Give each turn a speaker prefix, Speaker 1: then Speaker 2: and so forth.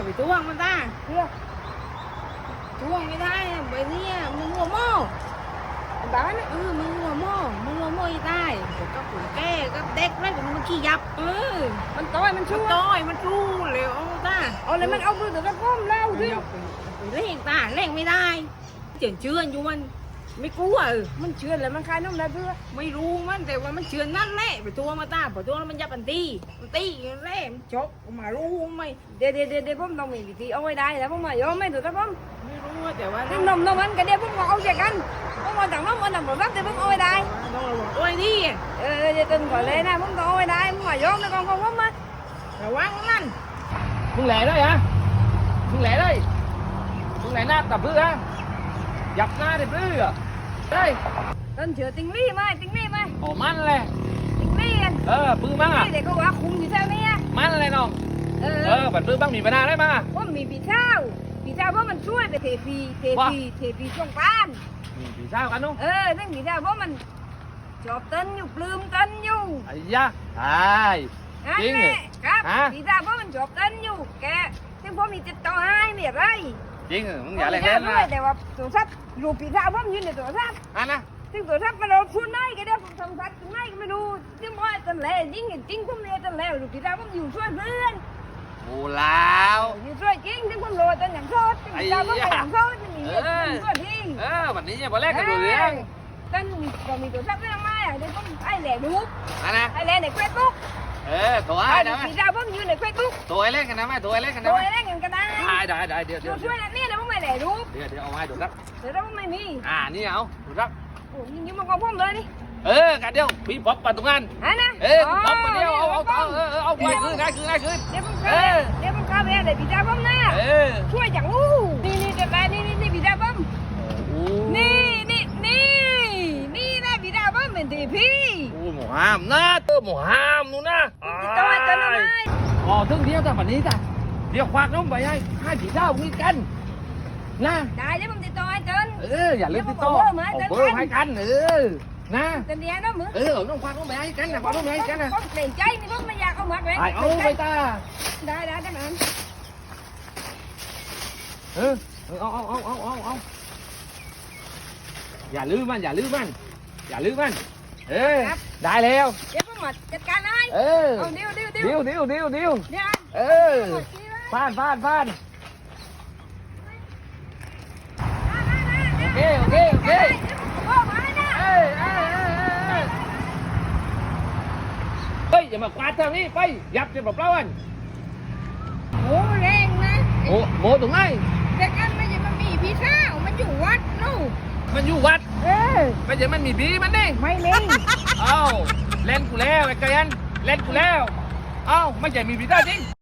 Speaker 1: ไปทวงมันตาเพื่อทวงไม่ได้ใบนี้มึงหัวโม่บ้านมึงหัวโม่อีตายก็ขุนแก่ก็เด็กแล้วมันขี้ยับมันต้อยมันชูเลยเอาตาเอาเลยมันเอามือถือกระก้มแล้วดิเล่งตาเล่งไม่ได้เจือนอยู่มันไม่กลัวมันเชื่อแล้วมันคลายน้ำได้เพื่อไม่รู้มันแต่ว่ามันเชื่อนั่นแหละไปตัวมาตาไปตัวแล้วมันยับมันตีแล่มันชกมารู้ไหมเดี๋ยวผมต้องมีวิธีเอาไว้ได้แล้วผมมายอมไม่ถูกครับผมไม่รู้แต่ว่าน้องมันก็เดี๋ยวผมเอาใจกันผมมาต่างน้องมันต่างแบบแต่ผมเอาไว้ได้น้องเราบอกโอ้ยดิจะตึงก่อนเลยนะผมต้องเอาไว้ได้ผมมายอมแล้วconผมมาระวังมัน
Speaker 2: มึงแหล่ได้ฮะมึงแหล่ได้มึงแหล่หน้าตับเพื่อหยับหน้าได้เพื่อได้
Speaker 1: ต้นเชือติงลี่ไหม
Speaker 2: โอ้มันเลย
Speaker 1: ติงลี่กัน
Speaker 2: ปื้มบ้างอ่ะ
Speaker 1: เด็กก็ว่าคุมอยู่ใช่ไหม
Speaker 2: มันเลยน้องบัดปื้มบ้างมีปัญหาได้มา
Speaker 1: ว่ามีปีเช้าเพราะมันช่วยไปเทปีช่วงบ้าน
Speaker 2: มีปีเช้ากันนุ๊ก
Speaker 1: นั่งปีเช้าเพราะมันชอบเต้นอยู่ปลื้มเต้นอยู่
Speaker 2: ไอ้ยะใช่จริง
Speaker 1: ครับปีเช้าเพราะมันชอบเต้นอยู่แกซึ่งผมมีติดต่อให้เนี่ยไร
Speaker 2: จริงมึงอย่าเล่นนะ
Speaker 1: แต่ว่าตัวซับรูปีเช้าผมยืนในตัวซับ
Speaker 2: นะ
Speaker 1: ซึ่งตัวซับมันเราพูดน้อยก็ได้ผมทำซับน้อยก็ไม่รู้ซึ่งว่าตอนแรกจริงผมเนี่ยตอนแรกรูปีเช้าผมอยู่ช่วยเพื่อน
Speaker 2: โอ้แล้ว
Speaker 1: อยู่ช่วยจริงซึ่งผมโรยตอนอย่างโทษปีเช้าผมไปอย่างโทษจะมีช่วยทิ้ง
Speaker 2: วันนี้เนี่ยพอแรกกันดูเรื่อง
Speaker 1: ตอนมีตัวซับไม่ทำไมเดี๋ยวผมไอ้แหล่ดู
Speaker 2: นะ
Speaker 1: ไอ้แหล่ในเฟซบุ๊ก
Speaker 2: ตัวไอ้นะ
Speaker 1: ปีเช้าผมอยู่ในเฟซบุ๊ก
Speaker 2: ตัวไอ้เล่นกันนะไหมตัวไอ้เล่นกันนะ
Speaker 1: ตัวไอ้เล่นกันก็ได้
Speaker 2: ได้เดี๋ยว
Speaker 1: ช่วยนี่นะผมไม่แหล่ดู
Speaker 2: เดี๋ยวเอาไว้ดูครับ
Speaker 1: เดี๋ยวผมไม่มี
Speaker 2: นี่เอาดูครับ
Speaker 1: โอ้ยิงมันของผมเลยนี่
Speaker 2: กันเดียวพี่ป๊อปปัดตรงนั้น
Speaker 1: นะ
Speaker 2: ป๊อปปัดเดียวเอาไปคืนเ
Speaker 1: ดี๋ยวผมเข้าไปเลยพี่เจ้าผมนะช่วยจังลูกนี่จะไปนี่พี่เจ้าผมนี่นะพี่เจ้าผมเป็นทีพี่
Speaker 2: โอ้หมูห้ามนะหมูห้ามนู่นนะ
Speaker 1: ตัวไหน
Speaker 2: ถึงเดียวแต่วันนี้จ้ะเดี๋ยวควักน้องไปให้ผีเจ้ามีกันนะ
Speaker 1: ได้แล้วผมติดต่อให้จน
Speaker 2: อย่าลืมติดต่อเบอร์ให้กันนะ
Speaker 1: แต่เดี๋ยวน้องมึง
Speaker 2: น้องควักน้องไปให้กันนะควักน้องไปให้กันนะ
Speaker 1: ผมเกรงใจนี่ผมไม่อยากเอาหมักเลย
Speaker 2: เอาไปตา
Speaker 1: ได้มัน
Speaker 2: เอาอย่าลืมมันได้แล้ว
Speaker 1: เดี๋ยวผมมาจัดการให้เดี๋ยว
Speaker 2: ฟานโอเคเฮ้ยอย่ามาควาดทางนี้ไปยับจะแบบเปล่าอัน
Speaker 1: โอ้แรงนะ
Speaker 2: โมตรงไหน
Speaker 1: แต่กันไม่ใช่มันมีพี่เช้ามันอยู่วัดนู่น
Speaker 2: มันอยู่วัดไม่ใช่มันมีบีมันนี่
Speaker 1: ไม่มี
Speaker 2: เล่นกูแล้วไอ้เกยันเล่นกูแล้วไม่ใช่มีบีได้จริง